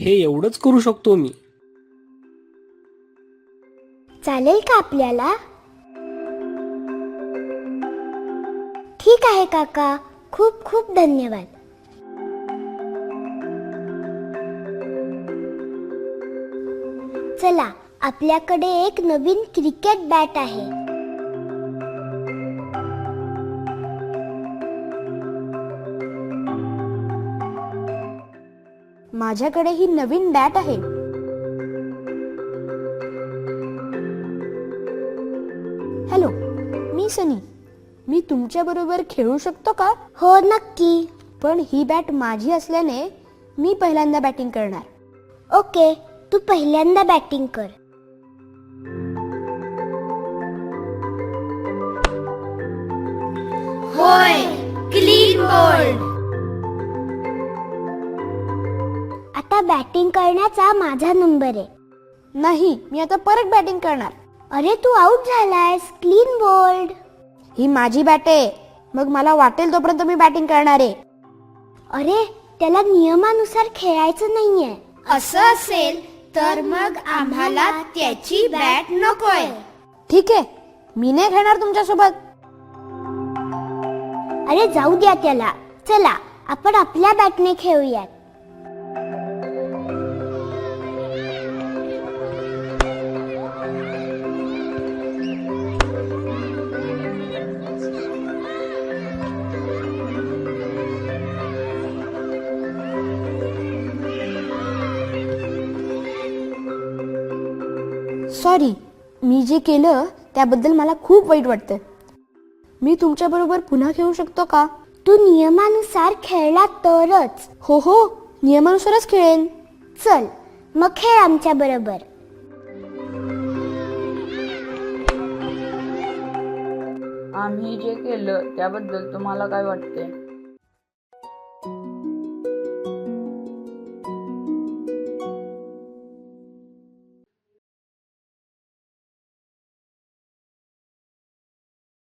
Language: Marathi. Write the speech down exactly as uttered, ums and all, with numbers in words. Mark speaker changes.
Speaker 1: हे एवढंच करू शकतो मी.
Speaker 2: चालेल का आपल्याला? ठीक आहे काका, खूप खूप धन्यवाद. चला, आपल्याकडे एक नवीन क्रिकेट बॅट आहे.
Speaker 3: माझ्याकडे ही नवीन बॅट आहे. हॅलो, मी सनी. मी तुमच्या बरोबर खेळू शकतो का?
Speaker 2: हो, नक्की.
Speaker 3: पण ही बॅट माझी असल्याने मी पहिल्यांदा बॅटिंग करणार.
Speaker 2: ओके, तू पहिल्यांदा बॅटिंग कर.
Speaker 4: होय, क्लीन बोल्ड.
Speaker 2: आता बॅटिंग करण्याचा माझा नंबर आहे.
Speaker 3: नाही, मी आता परत बॅटिंग करणार.
Speaker 2: अरे, तू आउट झालायस. Clean bowled.
Speaker 3: ही माझी बॅट आहे, मग मला वाटेल तोपर्यंत मी बॅटिंग करणार आहे.
Speaker 2: अरे, त्याला नियमानुसार खेळायचं नाहीये.
Speaker 4: असं असेल तर मग आम्हाला त्याची बॅट नकोय.
Speaker 3: ठीक आहे, मी नाही खेळणार तुमच्यासोबत.
Speaker 2: अरे, जाऊ द्या त्याला. चला, आपण आपल्या बॅटने खेळूयात.
Speaker 3: सॉरी, मी जे केलं त्याबद्दल मला खूप वाईट वाटतं. मी तुमच्या बरोबर पुन्हा खेळू शकतो का?
Speaker 2: तू नियमानुसार खेळला तरच.
Speaker 3: हो हो, नियमानुसारच खेळेन.
Speaker 2: चल, मग खेळ आमच्या बरोबर.
Speaker 5: आम्ही जे केलं त्याबद्दल तुम्हाला काय वाटते?